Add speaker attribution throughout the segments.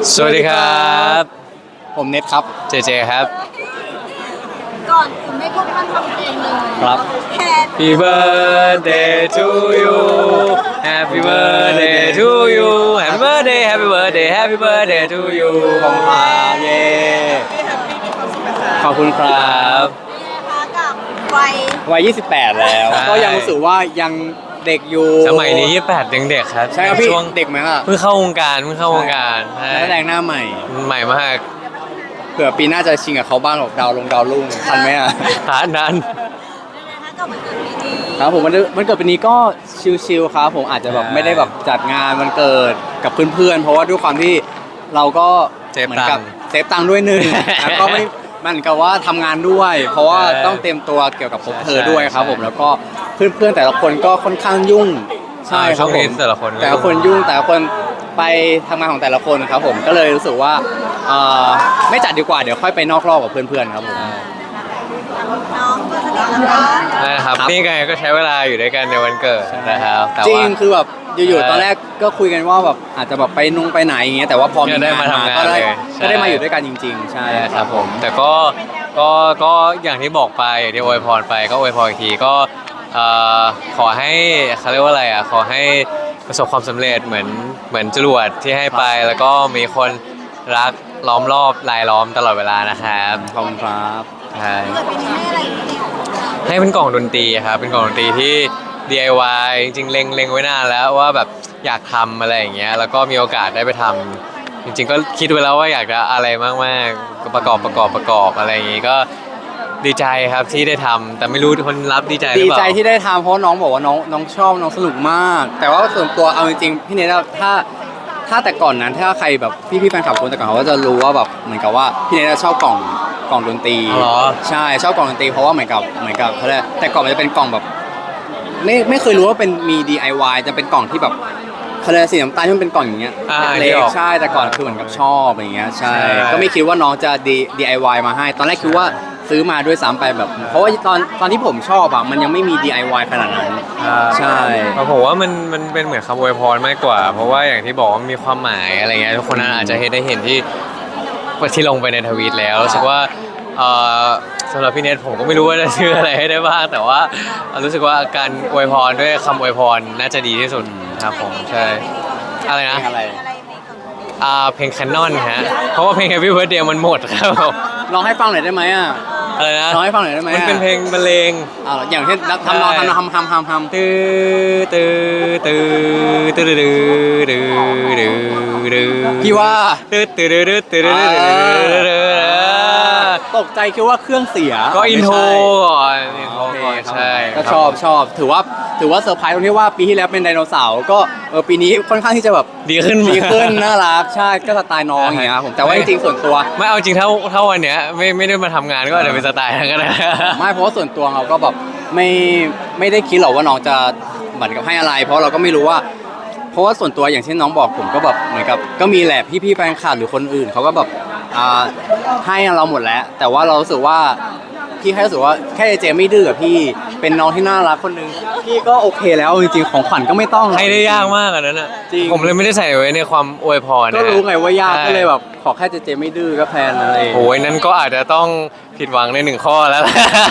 Speaker 1: สวัสดีครับ
Speaker 2: ผมเน็ตครับ
Speaker 1: เจเจครับ
Speaker 3: ก่อนอื่นไม่พูดมันทำเพลงเลย
Speaker 2: ครับ
Speaker 1: Happy birthday to you Happy birthday to you Happy birthday Happy birthday Happy birthday to you
Speaker 2: ขอบคุณครับเย้ขอบคุณครับ
Speaker 3: นะคะกับวัย
Speaker 2: วัย28แล้วก็ยังรู้สึกว่ายังเด็กอยู่
Speaker 1: สมัยนี้28ยังเด็กครับ
Speaker 2: ใช่ครับพี่
Speaker 1: ช่วง
Speaker 2: เด็กไหมครับ
Speaker 1: เพิ่งเข้าวงการ
Speaker 2: นักแสดงหน้าใหม่
Speaker 1: ใหม่มาก
Speaker 2: เผื่อปีหน้าจะชิงกับเขาบ้างหรอกดาวรุ่งทันไหมอ่ะ
Speaker 1: นั้น
Speaker 3: นะคะกับวันเกิดปีนี้
Speaker 2: ครับผมมันเกิดปีนี้ก็ชิลๆครับผมอาจจะแบบไม่ได้แบบจัดงานวันเกิดกับเพื่อนๆเพราะว่าด้วยความที่เราก็เหมือนกับเซฟตังค์ด้วยหนึ่งแล้วก็ไม่มันกับว่าทำงานด้วย เพราะว่าต้องเตรียมตัวเกี่ยวกับพบเธอด้วยครับผมแล้วก็เพื่อนๆแต่ละคนก็ค่อนข้างยุ่งใช่ครับผม
Speaker 1: แต่ละคน
Speaker 2: ยุ่งแต่ละคนไปทำงานของแต่ละคนครับผมก็เลยรู้สึกว่าไม่จัดดีกว่าเดี๋ยวค่อยไปนอกรอบกับเพื่อนๆครับผม
Speaker 3: น้องตัวสนิทแล้ว
Speaker 1: นะครับนี่ไงก็ใช้เวลาอยู่ด้วยกันในวันเกิดนะครับ
Speaker 2: จริงคือแบบอยู่ๆตอนแรกก็คุยกันว่าแบบอาจจะแบบไปไหนอย่างเงี้ยแต่ว่าพอมี
Speaker 1: ได้มาทำงาน
Speaker 2: ก็ได้มาอยู่ด้วยกันจริงๆใช่
Speaker 1: ครับผมแต่ก็อย่างที่บอกไปอย่างที่อวยพรไปก็อวยพรอีกทีก็ขอให้เขาเรียกว่าอะไรขอให้ประสบความสำเร็จเหมือนจรวดที่ให้ไปแล้วก็มีคนรักล้อมรอบรายล้อมตลอดเวลานะครับ
Speaker 2: ขอบคุณครับ
Speaker 1: ใช่
Speaker 3: เกิดปีนี้ให้อะไรเนี่ย
Speaker 1: ให้เป็นกล่องดนตรีครับเป็นกล่องดนตรีที่ DIY จริงๆเล็งไว้นานแล้วว่าแบบอยากทำอะไรอย่างเงี้ยแล้วก็มีโอกาสได้ไปทำจริงๆก็คิดไว้แล้วว่าอยากจะอะไรมากๆก็ประกอบอะไรอย่างงี้ก็ดีใจครับที่ได้ทำแต่ไม่รู้คนรับดีใจหรือเปล่า
Speaker 2: ดีใจที่ได้ทำเพราะน้องบอกว่าน้องชอบน้องสนุกมากแต่ว่าส่วนตัวเอาจริงๆพี่เนทถ้าแต่ก่อนนั้นถ้าใครแบบพี่แฟนคลับคนแต่ก่อนเขาก็จะรู้ว่าแบบเหมือนกับว่าพี่เนทชอบกล่องดนตรีใช่ชอบกล่องดนตรีเพราะว่าเหมือนกับเขาเรียกแต่ก่อนมันจะเป็นกล่องแบบไม่เคยรู้ว่าเป็นมี DIY จะเป็นกล่องที่แบบเขาเรียกสีน้ำตาลที่มันเป็นกล่องอย่างเงี้ยเล็กใช่แต่ก่อนคือเหมือนกับชอบอย่างเงี้ยใช่ก็ไม่คิดว่าน้องจะ DIY มาให้ตอนแรกคิดว่าซื้อมาด้วยซ้ำไปแบบเพราะว่าตอนที่ผมชอบมันยังไม่มี DIY ขนาดนั้นใช่
Speaker 1: ผมว่ามันเป็นเหมือนคำอวยพรมากกว่าเพราะว่าอย่างที่บอกว่ามีความหมายอะไรเงี้ยทุกคนอาจจะได้เห็นที่ลงไปในทวีตแล้วรู้สึกว่าสำหรับพี่เนทผมก็ไม่รู้ว่าจะชื่ออะไรให้ได้บ้างแต่ว่ารู้สึกว่าการอวยพรด้วยคำอวยพรน่าจะดีที่สุดครับผมใช่อะไรนะเพลง Canon ฮะเพราะว่าเพลง Happy Birthday มันหมดครับ
Speaker 2: ลองให้ฟังหน่อยได้ไหม
Speaker 1: อะไรนะ
Speaker 2: ลองให้ฟังหน่อยได้ไหม
Speaker 1: มันเป็นเพลงบรรเลง
Speaker 2: อย่างเช่นทำ
Speaker 1: ตื้อตื้อตื้อตื้อตื้อตื้อตื้อตื้อ
Speaker 2: พี่ว่า
Speaker 1: ตื้อตื้อตื้อตื้อตื้อ
Speaker 2: ตกใจคิดว่าเครื่องเสีย
Speaker 1: ก็อินโทรก่อนใช่
Speaker 2: ก็ชอบถือว่าเซอร์ไพรส์ตรงที่ว่าปีที่แล้วเป็นไดโนเสาร์ก็ปีนี้ค่อนข้างที่จะแบบ
Speaker 1: ดีขึ้น
Speaker 2: น่ารักใช่ก็สไตล์น้องอย่างเงี้ยผมแต่ว่าจริงๆส่วนตัว
Speaker 1: ไม่เอาจริงเท่าวันเนี้ยไม่ได้มาทำงานก็อาจจะเป็นสไตล์นั้นก็ได้
Speaker 2: ไม่เพราะว่าส่วนตัวเราก็แบบไม่ได้คิดหรอกว่าน้องจะเหมือนกับให้อะไรเพราะเราก็ไม่รู้ว่าเพราะว่าส่วนตัวอย่างเช่นน้องบอกผมก็แบบเหมือนกับก็มีแหละพี่แฟนคลับหรือคนอื่นเขาก็แบบให้เราหมดแล้วแต่ว่าเรารู้สึกว่าพี่แค่รู้สึกว่าแค่เจไม่ดื้อกับพี่เป็นน้องที่น่ารักคนนึงพี่ก็โอเคแล้วจริงๆของขวัญก็ไม่ต้อง
Speaker 1: ให้ได้ยากมากอันนั้นผมเลยไม่ได้ใส่ไว้ในความอวยพร
Speaker 2: ก็รู้ไงว่ายากก็เลยแบบขอแค่เจไม่ดื้อก็แพนอะไร
Speaker 1: โอ้ยนั้นก็อาจจะต้องผิดหวังใน1 ข้อแล้ว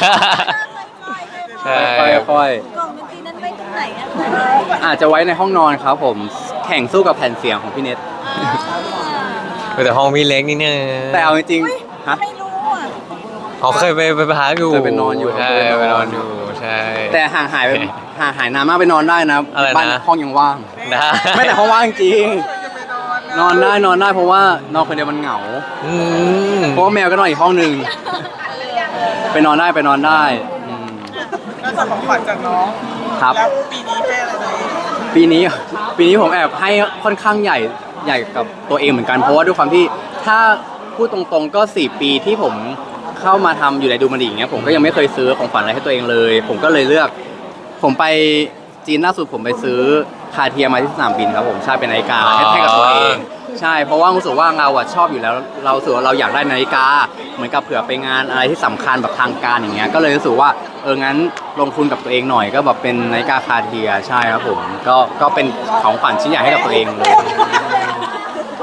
Speaker 2: ใช่ค่อย
Speaker 3: กล่องดนตรีนั้นไว้ตรงไหน
Speaker 2: อาจจะไว้ในห้องนอนครับผมแข่งสู้กับแผ่นเสียงของพี่เน็ต
Speaker 1: แต่ห้องพี่เล็กนี่เนี่ย
Speaker 2: แต่เอาจริงๆฮะ
Speaker 3: ไม่รู้
Speaker 1: เคยไปพักอยู่
Speaker 2: เคยไปนอนอยู่
Speaker 1: ใช่ไปนอนอยู่ใช่
Speaker 2: แต่ห่างหายนานมากไปนอนได้นะบ้านห้องยังว่างไม่แต่ห้องว่างจริงนอนได้เพราะว่านอนคนเดียวมันเหงาเพราะว่าแมวก็นอนอีกห้องนึงไปนอนได้
Speaker 4: ก็จะของขวัญจากน้อง
Speaker 2: ครับ
Speaker 4: แล้วปีนี้ให้อะไร
Speaker 2: ปีนี้ผมแอบให้ค่อนข้างใหญ่กับตัวเองเหมือนกันเพราะว่าด้วยความที่ถ้าพูดตรงๆก็4 ปีที่ผมเข้ามาทำอยู่ในดูมันดีอย่างเงี้ยผมก็ยังไม่เคยซื้อของขวัญอะไรให้ตัวเองเลยผมก็เลยเลือกผมไปจีนล่าสุดผมไปซื้อคาเทียมาที่สนามบินครับผมใช่เป็นนาฬิกาให้กับตัวเองใช่เพราะว่ารู้สึกว่าเราชอบอยู่แล้วเรารู้สึกว่าเราอยากได้นาฬิกาเหมือนกับเผื่อไปงานอะไรที่สำคัญแบบทางการอย่างเงี้ยก็เลยรู้สึกว่างั้นลงทุนกับตัวเองหน่อยก็แบบเป็นนาฬิกาคาเทียใช่ครับผมก็เป็นของขวัญชิ้นใหญ่ให้กับตัวเองเลย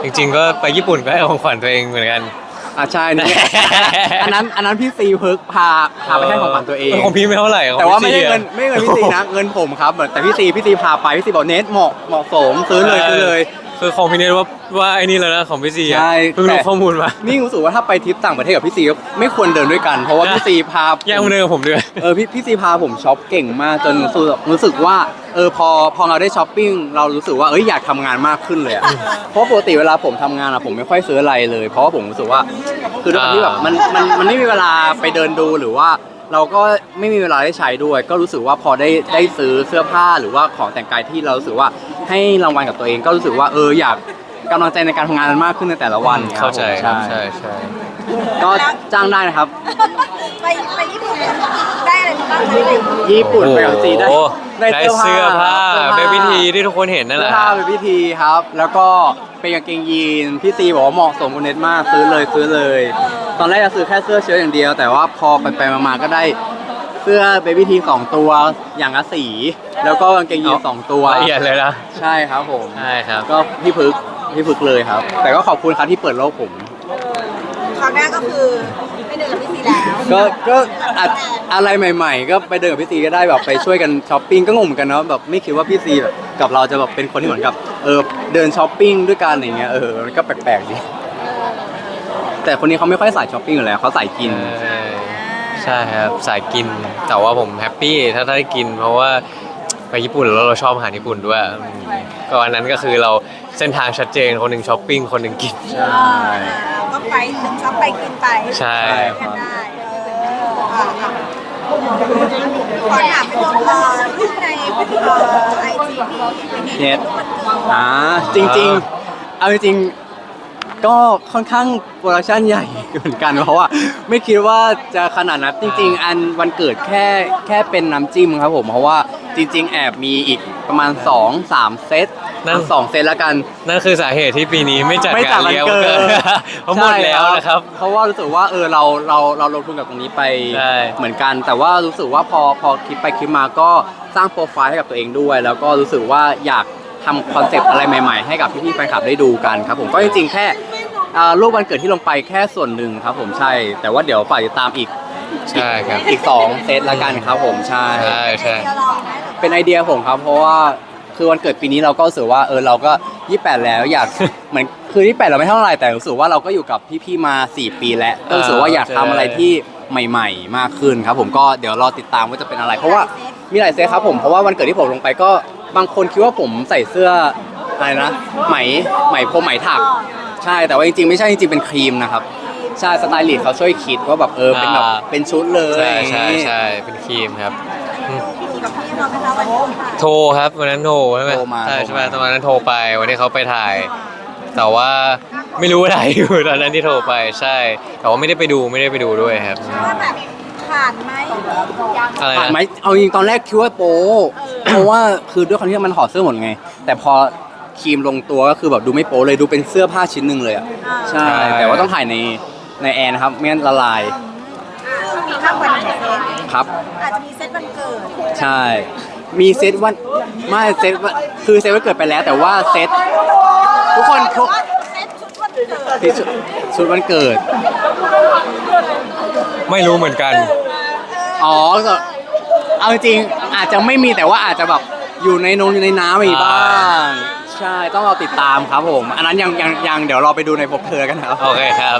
Speaker 1: จริงๆก็ไปญี่ปุ่นก็ให้ของขวัญตัวเองเหมือนกัน
Speaker 2: ใช่นี่ อันนั้นพี่ซีเพิร์กพาไปให้ของขวัญตัวเอง
Speaker 1: ของพี่ไม่เท่าไหร่ของ
Speaker 2: แต่ว่าไม่
Speaker 1: พี่
Speaker 2: ใช่เงิน
Speaker 1: อะ
Speaker 2: ไม่เงินพี่ซีนะเงินผมครับแต่พี่ซีพาไปพี่ซีบอกเนทเหมาะสมซื้อเลย
Speaker 1: คือของพี่เนทว่าไอ้นี่แล้วนะของพี่ซีอะ
Speaker 2: ใช่
Speaker 1: เพิ่งรู้ข้อมูลมา
Speaker 2: นี่รู้สึกว่าถ้าไปทริปต่างประเทศกับพี่ซีก็ไม่ควรเดินด้วยกัน เพราะว่าพี่ซีพา
Speaker 1: แยกมาเดินกับผมด้วย
Speaker 2: พี่ซีพาผมช็อปเก่งมากจนรู้สึกว่าพอเราได้ช้อปปิ้งเรารู้สึกว่าอยากทำงานมากขึ้นเลยอะเพราะปกติเวลาผมทำงานอะผมไม่ค่อยซื้ออะไรเลย เพราะว่าผมรู้สึกว่าคือด้วยความที่แบบมันไม่มีเวลาไปเดินดูหรือว่าเราก็ไม่มีเวลาได้ใช้ด้วย ก็รู้สึกว่าพอได้ซื้อเสื้อผ้าหรือว่าของแต่งกายที่เรารู้สึกว่าให้รางวัลกับตัวเอง ก็รู้สึกว่าอยากกำลังใจในการทำงานมากขึ้นในแต่ละวัน
Speaker 1: เข้าใจครับ
Speaker 2: ใช่
Speaker 1: ใช่
Speaker 2: ก็จ้างได้นะครับ
Speaker 3: ไปญี่ปุ่นได้อะไรบ้างคะ
Speaker 2: ญี่ปุ่นไปกับซีได้
Speaker 1: โอ้โหได้เสื้อผ้าเบบี้ทีที่ทุกคนเห็นนั่นแห
Speaker 2: เสื้อ
Speaker 1: ละ
Speaker 2: ผ้าเป็นพิธีครับ แล้วก็เป็นกางเกงยีนพี่ซีบอกว่าเหมาะสมกับเน็ตมากซื้อเลย ตอนแรกจะซื้อแค่เสื้อเชิ้ตอย่างเดียว แต่ว่าพอไปมาก็ได้เสื้อเบบี้ที2ตัวอย่างละสีแล้วก็กางเกงยีน2ตัว
Speaker 1: ละเอียดเลยนะ
Speaker 2: ใช่ครับผม
Speaker 1: ใช่ครับ
Speaker 2: ก็พี่พึกเลยครับ แต่ก็ขอบคุณครับที่เปิดโลกผม
Speaker 3: คราวหน้าก็คือไม่เดินกับพี่ซีแล้ว
Speaker 2: ก็อะไรใหม่ๆ ก็ไปเดินกับพี่ซีก็ได้แบบไปช่วยกันช้อปปิ้งก็งงเหมือนกันเนาะแบบไม่คิดว่าพี่ซีแบบกับเราจะแบบเป็นคนที่เหมือนกับเดินช้อปปิ้งด้วยกันอย่างเงี้ยมันก็แปลกๆดีแต่คนนี้เขาไม่ค่อยสายช้อปปิ้งอยู่แล้วเขาสายกิน
Speaker 1: ใช่ครับสายกินแต่ว่าผมแฮปปี้ถ้าได้กิน เพราะว่าไปญี่ปุ่นแล้วเราชอบอาหารญี่ปุ่นด้วยก็อันนั้นก็คือเราเส้นทางชัดเจนคนหนึ่งช้อปปิ้งคนหนึ่งกิน
Speaker 2: ใช่
Speaker 3: ก็ไปถึงชอบไปกินไป
Speaker 1: ใช่
Speaker 3: กันได้ขอถามรูปในไอจี
Speaker 2: เน็ตจริงๆเอาจริงๆก็ค่อนข้างโปรดักชั่นใหญ่เหมือนกันเพราะว่าไม่คิดว่าจะขนาดนั้นจริงๆอันวันเกิดแค่เป็นน้ำจิ้มครับผมเพราะว่าจริงๆแอบมีอีกประมาณ 2-3 เซตนั่น2 เซตแล้วกัน
Speaker 1: นั่นคือสาเหตุที่ปีนี้ไม่จัด
Speaker 2: ไม่จั
Speaker 1: กา
Speaker 2: ด
Speaker 1: ร
Speaker 2: วัน
Speaker 1: เลี้ยง
Speaker 2: เกิด
Speaker 1: เพราะหมดแล้วนะครับ
Speaker 2: เพราะว่ารู้สึกว่าเราลงทุนกับตรงนี้ไป
Speaker 1: ใช่
Speaker 2: เหมือนกัน แต่ว่ารู้สึกว่าพอคิดไปคิดมาก็สร้างโปรไฟล์ให้กับตัวเองด้วย แล้วก็รู้สึกว่าอยากทำคอนเซปต์อะไรใหม่ๆให้กับพี่ๆแฟนคลับได้ดูกันครับผมก็จริงๆแค่รูปวันเกิดที่ลงไปแค่ส่วนหนึ่งครับผมใช่ แต่ว่าเดี๋ยวฝากติดตามอีก
Speaker 1: ใช่ครับ
Speaker 2: 2 เซตละกันครับผมใช่
Speaker 1: ใช่
Speaker 2: เป็นไอเดียผมครับเพราะว่าคือวันเกิดปีนี้เราก็รู้สึกว่าเราก็28แล้วอยาก เหมือนคือ28เราไม่เท่าไหร่แต่รู้สึกว่าเราก็อยู่กับพี่ๆมา4 ปีแล้วก็รู้สึกว่าอยากทำอะไรที่ใหม่ๆมากขึ้นครับผมก็เดี๋ยวรอติดตามว่าจะเป็นอะไร เพราะว่ามีหลายเซตครับผมเพราะว่าวันเกิดที่ผมลงไปก็บางคนคิดว่าผมใส่เสื้ออะไรนะไหมพรมไหมถักใช่แต่ว่าจริงๆไม่ใช่จริงๆเป็นครีมนะครับใช่สไตลิสต์เขาช่วยคิดว่าแบบเป็นแบบเป็นชุดเลย
Speaker 1: ใช่เป็นครีมครับ
Speaker 3: กับพี่มาไหมคะวันนี้
Speaker 1: โทรครับวันนั้นโทรใช่ไหม
Speaker 2: โทรมา
Speaker 1: ใช่ไหมตอนนั้นโทรไปวันที่เขาไปถ่าย แต่ว่าไม่รู้อะไรอยู่ตอนนั้นที่โทรไปใช่ แต่ว่าไม่ได้ไปดูด้วยครับ
Speaker 3: ว่าแบบผ่านไหม
Speaker 1: อะไร
Speaker 2: ผ่านไหม
Speaker 1: นะ
Speaker 2: เอาจริงตอนแรกคิดว่าโป๊เพราะว่าคือด้วยความที่มันถอดเสื้อหมดไง แต่พอครีมลงตัวก็คือแบบดูไม่โป๊เลยดูเป็นเสื้อผ้าชิ้นหนึ่งเลยอ่ะใช่ แต่ว่าต้องถ่ายในแอร์นะครับไม่งั้นละลาย
Speaker 3: มีมากกว่า1 เซต
Speaker 2: ครับ
Speaker 3: อาจจะมีเซตวันเกิด
Speaker 2: ใช่ มีเซตวันไม่เซตวันคือเซตวันเกิดไปแล้ว แต่ว่าเซตทุกคนทุก
Speaker 3: เซตชุดวันเกิด
Speaker 2: ที่ชุดวันเกิด
Speaker 1: ไม่รู้เหมือนกัน
Speaker 2: อ๋อก็เอาจริงๆอาจจะไม่มีแต่ว่าอาจจะแบบอยู่ในน้ำมีบ้าง ใช่ต้องเราติดตามครับผม อันนั้นยังเดี๋ยวเราไปดูในพบเธอกันครับ
Speaker 1: โอเคครับ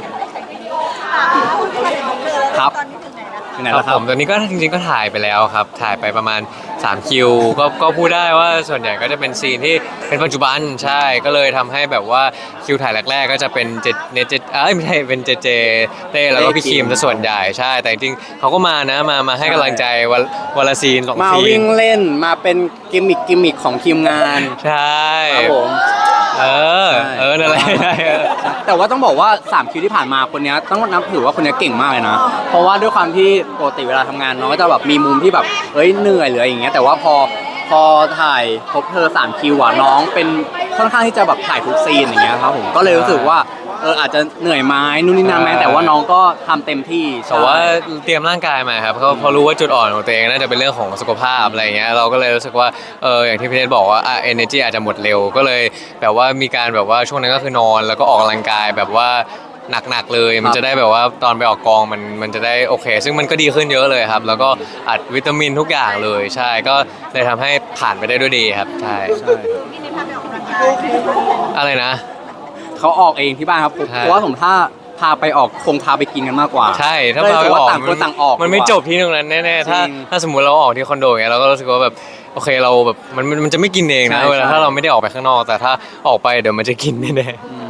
Speaker 2: ครับ
Speaker 3: ตอนนี้ถึงไหนแล้ว
Speaker 2: ที่ไหน
Speaker 1: ครั
Speaker 2: แล้
Speaker 1: บ
Speaker 2: วค
Speaker 1: ผ
Speaker 2: รับ
Speaker 1: มตอนนี้ก็จริงๆก็ถ่ายไปแล้วครับ ถ่ายไปประมาณ3 คิวก็พูดได้ว่าส่วนใหญ่ก็จะเป็นซีนที่เป็นปัจจุบันใช่ก็เลยทำให้แบบว่าคิวถ่ายแรกๆก็จะเป็นเจเนเจไม่ใช่เป็นเจเต้แล้วก็พี่คิมซะส่วนใหญ่ใช่ แต่จริงๆเขาก็มานะมาให้กำลังใจวันละซีน2
Speaker 2: มา
Speaker 1: ซี
Speaker 2: วิ่
Speaker 1: น
Speaker 2: งเล่นมาเป็นกิมมิคของทีมงาน
Speaker 1: ใช่
Speaker 2: ครับผม
Speaker 1: นั่นแหละ
Speaker 2: แต่ว่าต้องบอกว่า3 คิวที่ผ่านมาคนนี้ต้องนับถือว่าคนนี้เก่งมากเลยนะ เพราะว่าด้วยความที่ปกติเวลาทำงานน้องก็จะแบบมีมุมที่แบบเหนื่อยหรืออะไรอย่างเงี้ยแต่ว่าพอพอถ่ายพบเธอ3คิวอ่ะน้องเป็นค่อนข้างที่จะแบบถ่ายทุกซีนอย่างเงี้ยครับผมก็เลยรู้สึกว่าอาจจะเหนื่อยไหมนู่นนี่นั่นไหมแต่ว่าน้องก็ทำเต็มที่
Speaker 1: แต่ว่าเตรียมร่างกายมาครับเขารู้ว่าจุดอ่อนของตัวเองน่าจะเป็นเรื่องของสุขภาพอะไรเงี้ยเราก็เลยรู้สึกว่าอย่างที่พี่เนทบอกว่าenergy อาจจะหมดเร็วก็เลยแบบว่ามีการแบบว่าช่วงนั้นก็คือนอนแล้วก็ออกกำลังกายแบบว่าหนักๆเลยมันจะได้แบบว่าตอนไปออกกองมันจะได้โอเค ซึ่งมันก็ดีขึ้นเยอะเลยครับแล้วก็อัดวิตามินทุกอย่างเลยใช่ก็เลยทำให้ผ่านไปได้ด้วยดีครับใช่
Speaker 3: พี่เนทพาไปออกกำลังกาย
Speaker 1: อะไรนะ
Speaker 2: เขาออกเองที่บ้านครับ
Speaker 1: ใช่
Speaker 2: เพราะว่าผมถ้าพาไปออกคงพาไปกินกันมากกว่า
Speaker 1: ใช่ถ้า
Speaker 2: ก็เลย
Speaker 1: เรา
Speaker 2: รู้สึก
Speaker 1: อ
Speaker 2: ว่า
Speaker 1: อก
Speaker 2: ต่างคนต่างออก
Speaker 1: มันไม่
Speaker 2: ดีกว่า
Speaker 1: จบที่ตรงนั้นแน่ๆถ้า
Speaker 2: จริง
Speaker 1: ถ้าสมมุติเราออกที่คอนโดอย่างเงี้ยเราก็รู้สึกว่าแบบโอเคเราแบบมันจะไม่กินเองนะ
Speaker 2: ใช่
Speaker 1: เวลา
Speaker 2: ใช่
Speaker 1: ถ้าเราไม่ได้ออกไปข้างนอกแต่ถ้าออกไปเดี๋ยวมันจะกินแน่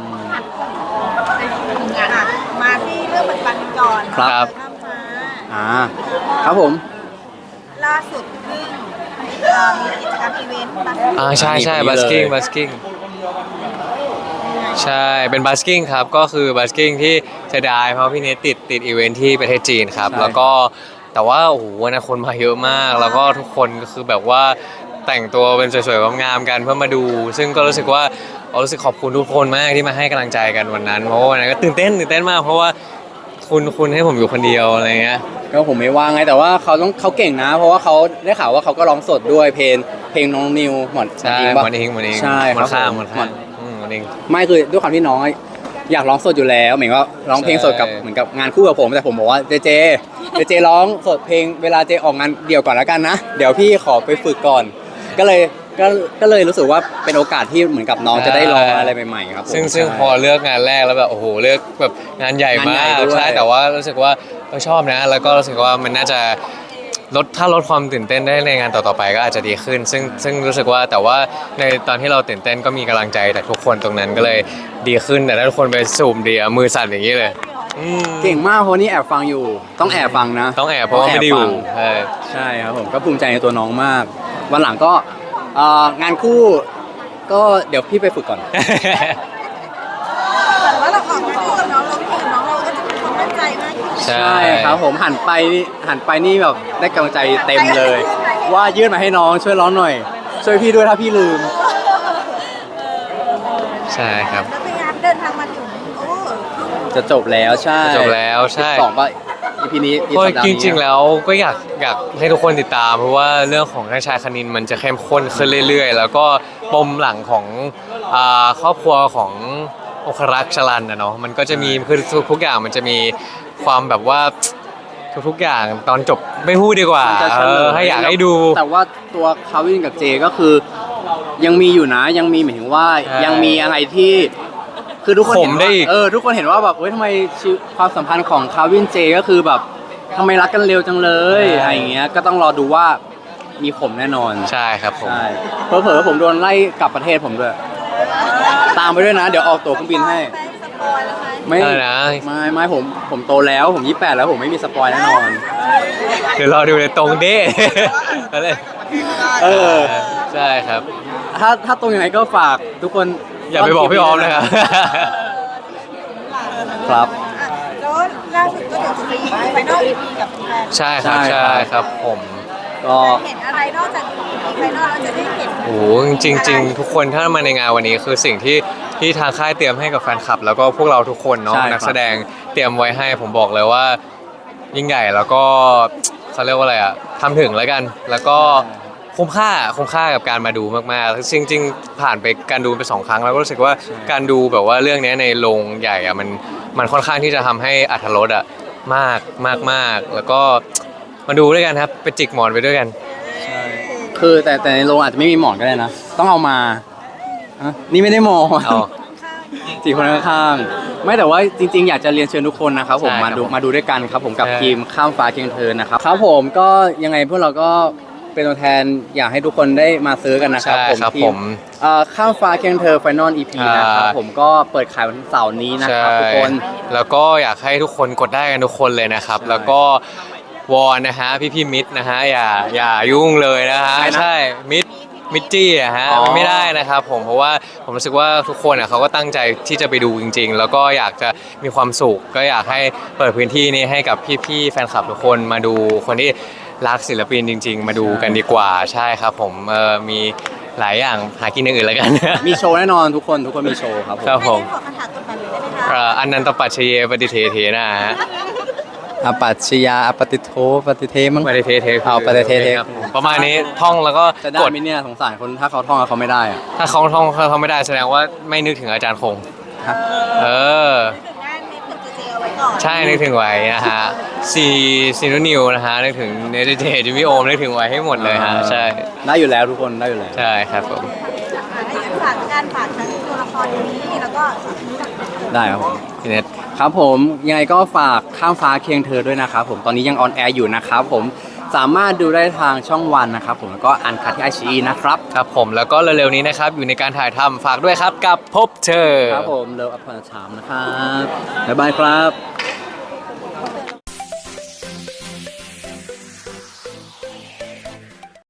Speaker 3: มาที่เรื่องปัจจุบันกันก่อน
Speaker 1: ครับ
Speaker 3: ข้ามฟ้า
Speaker 2: ครับผม
Speaker 3: ล่าสุดเพิ่งมีกิจกรรมอีเวนต์บัส
Speaker 1: ใช่ใช่
Speaker 2: มี
Speaker 1: บัส
Speaker 2: เลย
Speaker 1: กิ้งใช่เป็นบัสกิ้งครับก็คือบัสกิ้งที่เสียดายเพราะพี่เนทติดอีเวนท์ที่ประเทศจีนครับแล้วก็แต่ว่าโอ้โหวันนั้นคนมาเยอะมาก แล้วก็ทุกคนก็คือแบบว่าแต่งตัวเป็นสวยๆงามๆกันเพื่อมาดู ซึ่งก็รู้สึกว่ารู้สึกขอบคุณทุกคนมากที่มาให้กำลังใจกันวันนั้นเพราะว่าวันนั้นก็ตื่นเต้นมากเพราะว่าคุณให้ผมอยู่คนเดียวอะไรเงี้ย
Speaker 2: ก็ผมไม่ว่างไงแต่ว่าเขาเก่งนะ เพราะว่าเขาได้ข่าวว่าเขาก็ร้องสดด้วยเพลงน้องนิวหมอน
Speaker 1: ใช่
Speaker 2: อิงปะ
Speaker 1: มันเอง
Speaker 2: ใช่
Speaker 1: มันข้าม
Speaker 2: ครับ
Speaker 1: มัน
Speaker 2: หม
Speaker 1: ข้า
Speaker 2: อ
Speaker 1: ม
Speaker 2: น
Speaker 1: มันเอง
Speaker 2: ไม่คือด้วยความที่น้องอยากร้องสดอยู่แล้วเหมือนว่าร้องเพลงสดกับ
Speaker 1: ใช่
Speaker 2: เหมือนกับงานคู่กับผมแต่ผมบอกว่าเจร้องสดเพลงเวลาเจออกงานเดี่ยวก่อนแล้วกันนะเดี๋ยวพี่ขอไปฝึกก่อน ก็เลยรู้สึกว่าเป็นโอกาสที่เหมือนกับน้องจะได้ลองอะไรใหม่ๆครับผม
Speaker 1: ซึ่ง
Speaker 2: ใช่
Speaker 1: พอเลือกงานแรกแล้วแบบโอ้โหเลือกแบบงานใหญ่มาง
Speaker 2: านใหญ่
Speaker 1: ก
Speaker 2: ด้วย
Speaker 1: ใช่แต่ว่ารู้สึกว่าชอบนะ แล้วก็รู้สึกว่ามันน่าจะถ้าลดความตื่นเต้นได้ในงานต่อๆไปก็อาจจะดีขึ้น ซึ่งรู้สึกว่าแต่ว่าในตอนที่เราตื่นเต้นก็มีกำลังใจจากทุกคนตรงนั้นก็เลยดีขึ้นแต่ถ้าทุกคนไปสูมดีมือสั่นอย่างนี้เลยอืม
Speaker 2: เก่งมากเพราะนี่แอบฟังอยู่ต้องแอบฟังนะ
Speaker 1: ต้องแอบเพราะว่าไม่ได้อยู่
Speaker 2: ต้องแอบฟัง
Speaker 1: ใช่
Speaker 2: ใช่ครับผมก็ภูมิใจในตัวน้องมาก วันหลังก็งานคู่ก็เดี๋ยวพี่ไปฝึกก่อน
Speaker 3: แต่ว่าเราออกมาคู่กับน้องเราคุยกับน้องเราก็จะมีความมั่นใจมากขึ้น
Speaker 1: ใช่
Speaker 2: ใช่ครับผมหันไปนี่แบบได้กำลังใจเต็มเลย ว่ายื่นมาให้น้องช่วยร้องหน่อย ช่วยพี่ด้วยถ้าพี่ลืม
Speaker 1: ใช่ครับ
Speaker 3: แล้วพยายามเดินทางมาถึง
Speaker 2: จะจบแล้วใช่
Speaker 1: จบแล้วใช่
Speaker 2: 12ป่ะ EP นี้ EP
Speaker 1: ก็
Speaker 2: สัปดาห์
Speaker 1: จ
Speaker 2: นี้
Speaker 1: ริงๆแล้วก็อยากให้ทุกคนติดตาม เพราะว่าเรื่องของท่านชายคณินมันจะเข้มข้นขึ้นเรื่อยๆ แล้วก็ปมหลังของครอบครัวขององครักษ์ชลันนะเนาะมันก็จะมีคือทุกอย่างมันจะมีความแบบว่าทุกๆอย่างตอนจบไม่พูดดีกว่า
Speaker 2: จะเฉลย
Speaker 1: ให้อยากให้ดู
Speaker 2: แต่ว่าตัวคาวินกับเจก็คือยังมีอยู่นะยังมีหมายถึงว่า
Speaker 1: ใช่
Speaker 2: ยังมีอะไรที่คือทุกคนเห็น
Speaker 1: ขมได้
Speaker 2: ว่า
Speaker 1: อีก
Speaker 2: ทุกคนเห็นว่าแบบเฮ้ยทำไมชีวิตความสัมพันธ์ของคาวินเจก็คือแบบทำไมรักกันเร็วจังเลยอะไรอย่างเงี้ยก็ต้องรอดูว่ามีผมแน่นอน
Speaker 1: ใช่ครับผม
Speaker 2: ใช่เผลอๆผมโดนไล่กลับประเทศผมด้วยตามไปด้วยนะ เดี๋ยวออกตั๋วเครื่องบินให้
Speaker 3: สปอยแล้วไหม
Speaker 2: ไม่
Speaker 1: อะไรนะ
Speaker 2: ไม่ผมโตแล้วผม28แล้วผมไม่มีสปอยแน่นอน
Speaker 1: เดี๋ยวรอดูเลยตรงเด้ อะไร
Speaker 2: เออ
Speaker 1: ใช่ครับ
Speaker 2: ถ้าตรงยังไงก็ฝากทุกคน
Speaker 1: อย่าไปบอกพี่ออมนะครับ
Speaker 2: ครับ
Speaker 3: อ่ะแล้วล่าสุดก็เดี๋ยวจะมีไฟนอล EP กับแฟน
Speaker 1: ใช่ครับ
Speaker 2: ใช่
Speaker 1: ใช่ครับผม
Speaker 2: ก็
Speaker 3: เห็นอะไรนอกจาก EP ไฟนอลเราจะได้เห็น
Speaker 1: โอ้โหจริงๆ ทุกคนถ้ามาในงานวันนี้คือสิ่งที่ทางค่ายเตรียมให้กับแฟนคลับ แล้วก็พวกเราทุกคนเนาะ
Speaker 2: ใช่ครับ
Speaker 1: นักแสดงเตรียมไว้ให้ผมบอกเลยว่ายิ่งใหญ่แล้วก็เขาเรียกว่าอะไรอะทำถึงแล้วกัน แล้วก็คุ้มค่ากับการมาดูมากๆจริงๆผ่านไปการดูไป2 ครั้งแล้วก็รู้สึกว่าการดูแบบว่าเรื่องนี้ในโรงใหญ่อะมันค่อนข้างที่จะทำให้อรรถรสอะมากแล้วก็มาดูด้วยกันครับไปจิกหมอนไปด้วยกัน
Speaker 2: คือแต่ในโรงอาจจะไม่มีหมอนก็ได้นะ ต้องเอามาอ่ะนี่ไม่ได้หมอน
Speaker 1: เอา
Speaker 2: สี่คนข้างๆไม่แต่ว่าจริงๆ อยากจะเรียนเชิญทุกคนนะครับผม
Speaker 1: ใช่ครับ
Speaker 2: มาดูด้วยกันครับผมกับ
Speaker 1: ใช่
Speaker 2: ทีมข้ามฟ้าเคียงเธอนะครับครับผมก็ยังไงพวกเราก็เป็นตัวแทนอยากให้ทุกคนได้มาซื้อกันนะครับ
Speaker 1: ใช่ครับ
Speaker 2: ที
Speaker 1: ผม
Speaker 2: ข้ามฟ้าเคียงเธอ Final EP นะครับผมก็เปิดขายวันเสาร์นี้นะครับทุกคน
Speaker 1: แล้วก็อยากให้ทุกคนกดได้กันทุกคนเลยนะครับ
Speaker 2: ใช่
Speaker 1: แล้วก็วอนนะฮะพี่มิดนะฮะอย่ายุ่งเลยนะฮะ
Speaker 2: ใครนะ
Speaker 1: ใช่มิดจี้อะฮะ
Speaker 2: อ๋อ
Speaker 1: มันไม่ได้นะครับผมเพราะว่าผมรู้สึกว่าทุกคนอะเขาก็ตั้งใจที่จะไปดูจริง ๆ แล้วก็อยากจะมีความสุขก็อยากให้เปิดพื้นที่นี้ให้กับพี่ๆแฟนคลับทุกคนมาดูคนที่รักศิลปินจริง ๆ มาดูกันดีกว่าใช่ครับผมมีหลายอย่างหากินอย่างอื่นแล้วกัน
Speaker 2: มีโชว์แน่นอนทุกคนมีโชว์ครับผม
Speaker 1: ครับผม
Speaker 3: ให้ขอคำถามกดดันเลยได้ไหมคะ
Speaker 1: อันนันตปัจเชเยปฏิเทเทนะฮะ
Speaker 2: อปัจฉยาอปฏิโทปฏิเทมั้ง
Speaker 1: ปฏิเทเท
Speaker 2: เอาปฏิเทเท
Speaker 1: ครับผมประมาณนี้ท่องแล้วก็
Speaker 2: จะได้
Speaker 1: กด
Speaker 2: ไหมเนี่ยสงสารคนถ้าเขาท่องแล้วเขาไม่ได้อะ
Speaker 1: ถ้าเขาท่องเขาไม่ได้แสดงว่าไม่นึกถึงอาจารย์คง
Speaker 2: ฮะ
Speaker 1: เออ
Speaker 3: ถึงหน้านิดถึงเจเอาไว้ก่อน
Speaker 1: ใช่นึกถึงไว้นะฮะซีโนนิวนะฮะนึกถึงเนเธอร์เทจิมิโอมนึกถึงไว้ให้หมดเลยฮะใช่
Speaker 2: ได้อยู่แล้วทุกคนได้อยู่แล้ว
Speaker 1: ใช่ครับผม
Speaker 3: ให้ฝากการฝากทั้งตัวละครนี้แล้วก็
Speaker 2: ได้ครับผม
Speaker 1: พี่เน็ต
Speaker 2: ครับผมยังไงก็ฝากข้ามฟ้าเคียงเธอด้วยนะครับผมตอนนี้ยังออนแอร์อยู่นะครับผมสามารถดูได้ทางช่องวันนะครับผมแล้วก็อันคัดที่ไอชีนะครับ
Speaker 1: ครับผมแล้วก็เร็วๆนี้นะครับอยู่ในการถ่ายทำฝากด้วยครับกับพบเธอ
Speaker 2: ครับผมเลิฟอัพพอร์ชามนะครับบ๊ายบายครับ